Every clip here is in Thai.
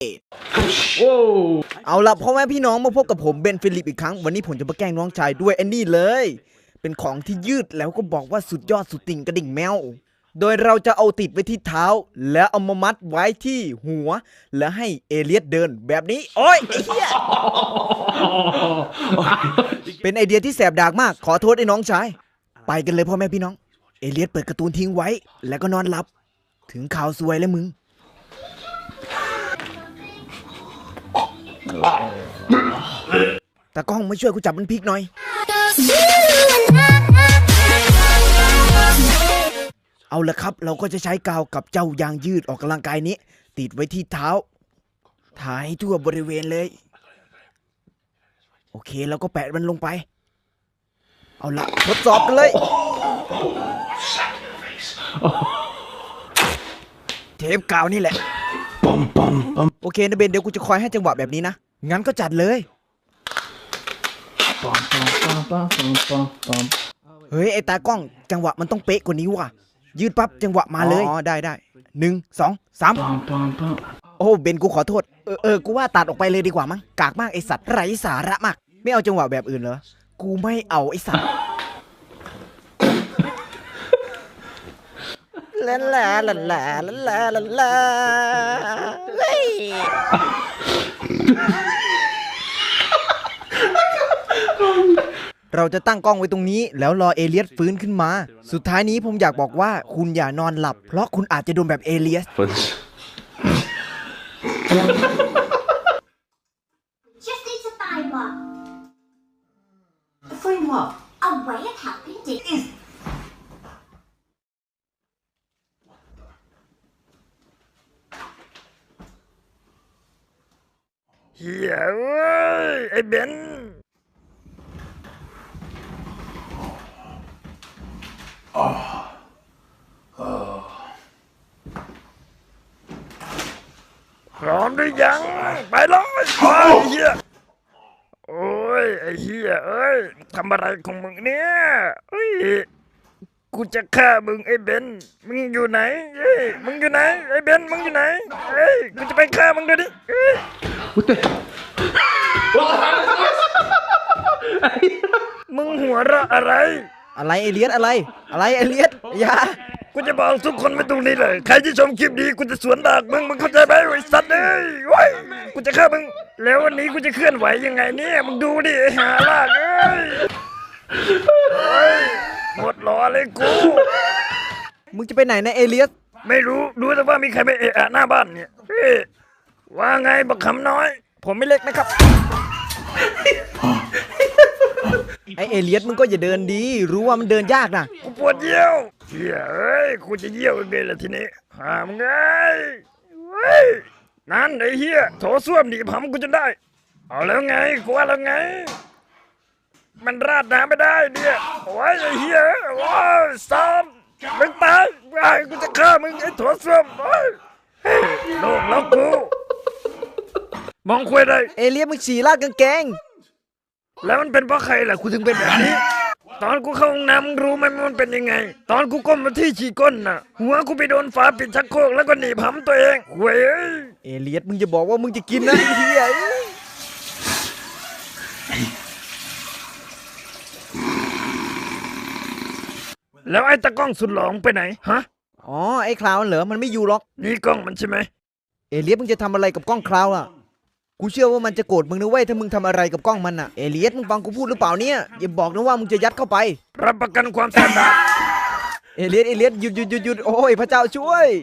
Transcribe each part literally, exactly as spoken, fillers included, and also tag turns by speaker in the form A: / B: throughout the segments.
A: เอาล่ะพ่อแม่พี่น้องมาพบกับผมเบนฟิลิปอีกครั้งวันนี้ผมจะมาแกล้งน้องชายด้วยไอ้นี่เลยเป็นของที่ยืดแล้วก็บอกว่าสุดยอดสุดติ่งกระดิ่งแมวโดยเราจะเอาติดไว้ที่เท้าแล้วเอามามัดไว้ที่หัวแล้วให้เอเลียสเดินแบบนี้โอ้ยไอ้เหี้ยเป็นไอเดียที่แสบดากมากขอโทษไอ้น้องชายไปกันเลยพ่อแม่พี่น้องเอเลียสเปิดการ์ตูนทิ้งไว้แล้วก็นอนหลับถึงข่าวซวยแล้วมึงตากล้องมาช่วยกูจับมันพลิกหน่อยเอาละครับเราก็จะใช้กาวกับเจ้ายางยืดออกกำลังกายนี้ติดไว้ที่เท้าถ่ายทั่วบริเวณเลยโอเคเราก็แปะมันลงไปเอาละทดสอบกันเลยเทปกาวนี่แหละโอเคนะเบนเดี๋ยวกูจะคอยให้จังหวะแบบนี้นะงั้นก็จัดเลยเฮ้ยไอ้ตากล้องจังหวะมันต้องเป๊ะกว่านี้ว่ะยืดปั๊บจังหวะมาเลยอ๋อได้ได้หนึ่งสองสามโอ้เบนกูขอโทษเออเออกูว่าตัดออกไปเลยดีกว่ามั้งกากมากไอสัตว์ไร้สาระมากไม่เอาจังหวะแบบอื่นเหรอกูไม่เอาไอสัตว์ลาลาลาลาลาลาลาลาเฮ้ยเราจะตั้งกล้องไว้ตรงนี้แล้วรอเอเลียสฟื้นขึ้นมาสุดท้ายนี้ผมอยากบอกว่าคุณอย่านอนหลับเพราะคุณอาจจะโดนแบบเอเลียส
B: Just needs a framework. A framework. A way of helping dig is.
C: เฮียเอ้ยไอ้เบนพร้อมหรือยังไปเลยไอ้เฮียโอ้ยไอ้เฮียเอ้ยทำอะไรของมึงเนี่ยเฮ้ยกูจะฆ่ามึงไอ้เบนมึงอยู่ไหนเฮ้ยมึงอยู่ไหนไอ้เบนมึงอยู่ไหนเฮ้ยกูจะไปฆ่ามึงด้วยดิเฮ้ยมึงหัวเราะอะไร
A: อะไรเอเลียสอะไรอะไรเอเลียสอย่า
C: กูจะบอกทุกคนไม่ตรงนี้เลยใครที่ชมคลิปนี้กูจะสวนดากมึงมึงเข้าใจไหมไอ้สัตว์เอ้ยโว้ยกูจะฆ่ามึงแล้ววันนี้กูจะเคลื่อนไหวยังไงเนี่ยมึงดูดิไอ้หาลากเอ้ยโอ้ยหมดล้อเลยกู
A: มึงจะไปไหนนะเอเลียส
C: ไม่รู้รู้แต่ว่ามีใครไปเอะอะหน้าบ้านเนี่ยเฮ้ยว่าไงบักคำน้อย
A: ผมไม่เล็กนะครับไอเอเลียสมึงก็อย่าเดินดีรู้ว่ามันเดินยากนะ
C: กูปวดเยี่ยวเฮียเอ้ยกูจะเยี่ยวยังไงล่ะทีนี้หามึงไงเฮ้ยนั่นไอ้เฮียโถส้วมดีผำกูจะได้เอาแล้วไงกูว่าแล้วไงมันราดน้ำไม่ได้เนี่ยโอ้ยไอ้เฮียโอ้ยสามมึงตายไอ้กูจะฆ่ามึงไอ้โถส้วมโอ้ยเฮ้ยโลกแล้วกูมองคุยได้
A: เอเลียสมึงฉี่ลาดกางเกง
C: แล้วมันเป็นเพราะใครล่ะกูถึงเป็นแบบนี้ตอนกูเข้าห้องน้ำมึงรู้ไหมมันเป็นยังไงตอนกูก้มมาที่ฉี่ก้นน่ะหัวกูไปโดนฝาปิดชักโครกแล้วก็หนีบหำตัวเองเว้ย
A: เอเลียสมึงจะบอกว่ามึงจะกินนะไอ้เหี้ย
C: แล้วไอ้ตะกล้องสุดหลงไปไหนฮะ
A: อ๋อไอ้คลาวน์เหรอมันไม่อยู่หรอก
C: นี่กล้องมันใช่ไหม
A: เอเลียสมึงจะทำอะไรกับกล้องคลาวน์อ่ะกูเชื่อว่ามันจะโกรธมึงนะเว้ยถ้ามึงทำอะไรกับกล้องมันอ่ะเอเลียสมึงฟังกูพูดหรือเปล่าเนี่ยอย่าบอกนะว่ามึงจะยัดเข้าไป
C: รับประกันความแสบดา
A: เอเลียสเอเลียสหยุดหยุดหยุดหยุดโอ้ยพระเจ้าช่วย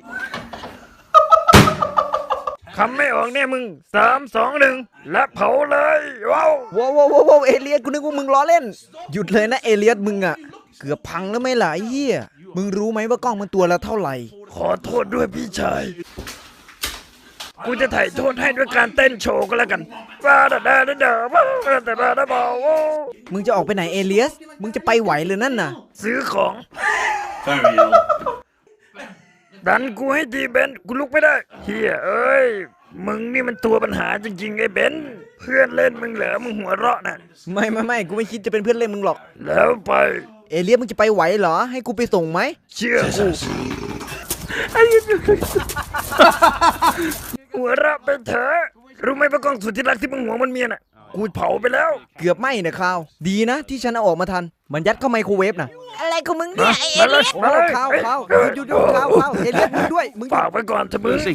C: คำไม่ออกเนี่ยมึงสามสองหนึ่งและเผาเลยว้าว
A: ว้าวว้าวว้าวเอเลียสกูนึกว่ามึงล้อเล่นหยุดเลยนะเอเลียสมึงอ่ะเกือบพังแล้วไม่หลายเหี้ยมึงรู้ไหมว่ากล้องมันตัวละเท่าไหร่
C: ขอโทษด้วยพี่ชายกูจะถ่ายโทษให้ด้วยการเต้นโชว์ก็แล้วกันว้าดาดาดาดาว้าดาดาดาบอ
A: มึงจะออกไปไหนเอเลียสมึงจะไปไหวเลยนั่นน่ะ
C: ซื้อของดันกูให้ดีเบนกูลุกไม่ได้เฮียเอ้ยมึงนี่มันตัวปัญหาจริงๆไอ้เบนเพื่อนเล่นมึงเหรอมึงหัวเราะน่ะ
A: ไม่ไม่ไม่กูไม่คิดจะเป็นเพื่อนเล่นมึงหรอก
C: แล้วไป
A: เอเลียสมึงจะไปไหวเหรอให้กูไปส่งไหม
C: เชื่อกูหัวเราะไปเถอะรู้ไหมว่ากล้องสุดที่รักที่มึงหวงมันเมียน่ะกูเผาไปแล้ว
A: เกือบไหม้นะข้าว ดีนะที่ฉันเอาออกมาทัน มันยัดเข้าไมโครเวฟนะ
B: อะไรของมึงเนี่ยไอ้เอ
C: มาเล
B: เลี่
C: ย
B: ยน
A: โอ้
C: มาเลย
A: ข้าว
C: เอ้ย
A: ข้าว
C: เอ้ย
A: หยุดหยุดหยุดข้าวข้าวเอเลียสมึงด้วยมึงหยุ
C: ฝา
A: ด
C: กไว้ก่อนเถอะมึง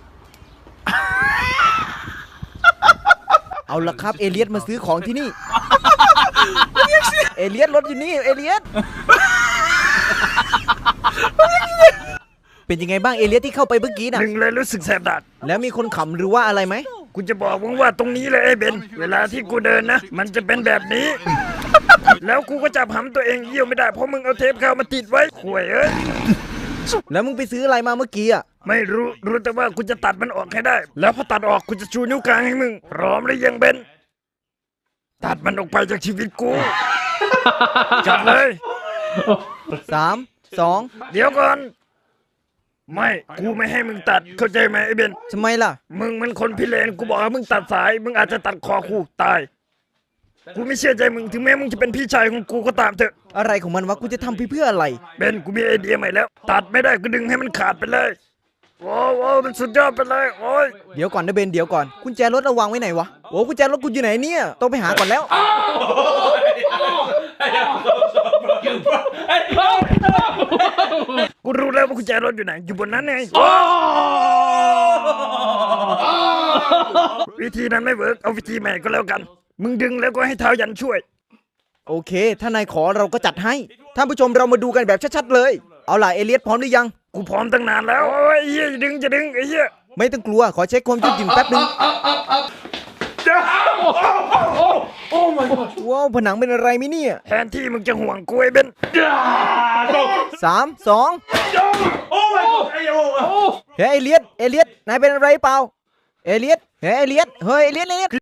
A: เอาละครับเอเลียสมาซื้อของที่นี่ เอเลียสรถอยู่นี่เอเลียสเป็นยังไงบ้างเอเลียสที่เข้าไปเมื่อกี้น่ะ
C: หนึ่งเลยรู้สึกแสบดัด
A: แล้วมีคนขำหรือว่าอะไรไหม
C: กูจะบอกมึงว่าตรงนี้เลยไอ้เบนเวลาที่กูเดินนะ มันจะเป็นแบบนี้ แล้วกูก็จับหำตัวเองเยี่ยวไม่ได้เพราะมึงเอาเทปกาวมาติดไว้ข่วยเอ้ย
A: แล้วมึงไปซื้ออะไรมาเมื่อกี้อ่ะ
C: ไม่รู้รู้แต่ว่ากูจะตัดมันออกให้ได้ แล้วพอตัดออกกูจะชูนิ้วกลางให้มึงพร้อมหรือยังเบนตัดมันออกไปจากชีวิตกูจัดเลย
A: สามสอง
C: เดี๋ยวก่อน ไม่กูไม่ให้มึงตัดเข้าใจไหมไอ้เบน
A: ทำไมล่ะ
C: มึงมันคนพิเรนกูบอกให้มึงตัดสาย มึงอาจจะตัดคอกูตาย กูไม่เชื่อใจมึงถึงแม้มึงจะเป็นพี่ชายของกูก็ตามเถอะ
A: อะไรของมันวะกูจะทำเพื่ออะไร
C: เบนกูมีไอเดียใหม่แล้ว ตัดไม่ได้ก็ดึงให้มันขาดไปเลยโอ้โหมันสุดยอดไปเลยโอ้ย
A: เดี๋ยวก่อนนะเบนเดี๋ยวก่อนกุญแจรถระวังไว้ไหนวะโอ้กุญแจรถกูอยู่ไหนเนี่ยต้องไปหาก่อนแล้ว
C: กูรู้แล้วว่ากุญแจรถอยู่ไหนอยู่บนนั้นไงวิธีนั้นไม่เวิร์กเอาวิธีใหม่ก็แล้วกัน มึงดึงแล้วก็ให้เท้ายันช่วย
A: โอเค ถ้านายขอเราก็จัดให้ท่านผู้ชมเรามาดูกันแบบชัดๆเลย เอาล่ะเอเลียสพร้อมหรือยัง
C: กูพร้อมตั้งนานแล้วโอ้ยเฮียจะดึงจะดึงไอ้เฮีย
A: ไม่ต้องกลัวขอเช็คความยืดหยุ่นแป๊บนึงว้าวผนังเป็นอะไรมิเนี่ย
C: แทนที่มึงจะห่วงกูไอ้เบน
A: สามสองเฮ้ยเอเลียสเอเลียสนายเป็นอะไรเปล่าเอเลียสเฮ้ยเอเลียสเฮ้ยเอเลียสเอเลียส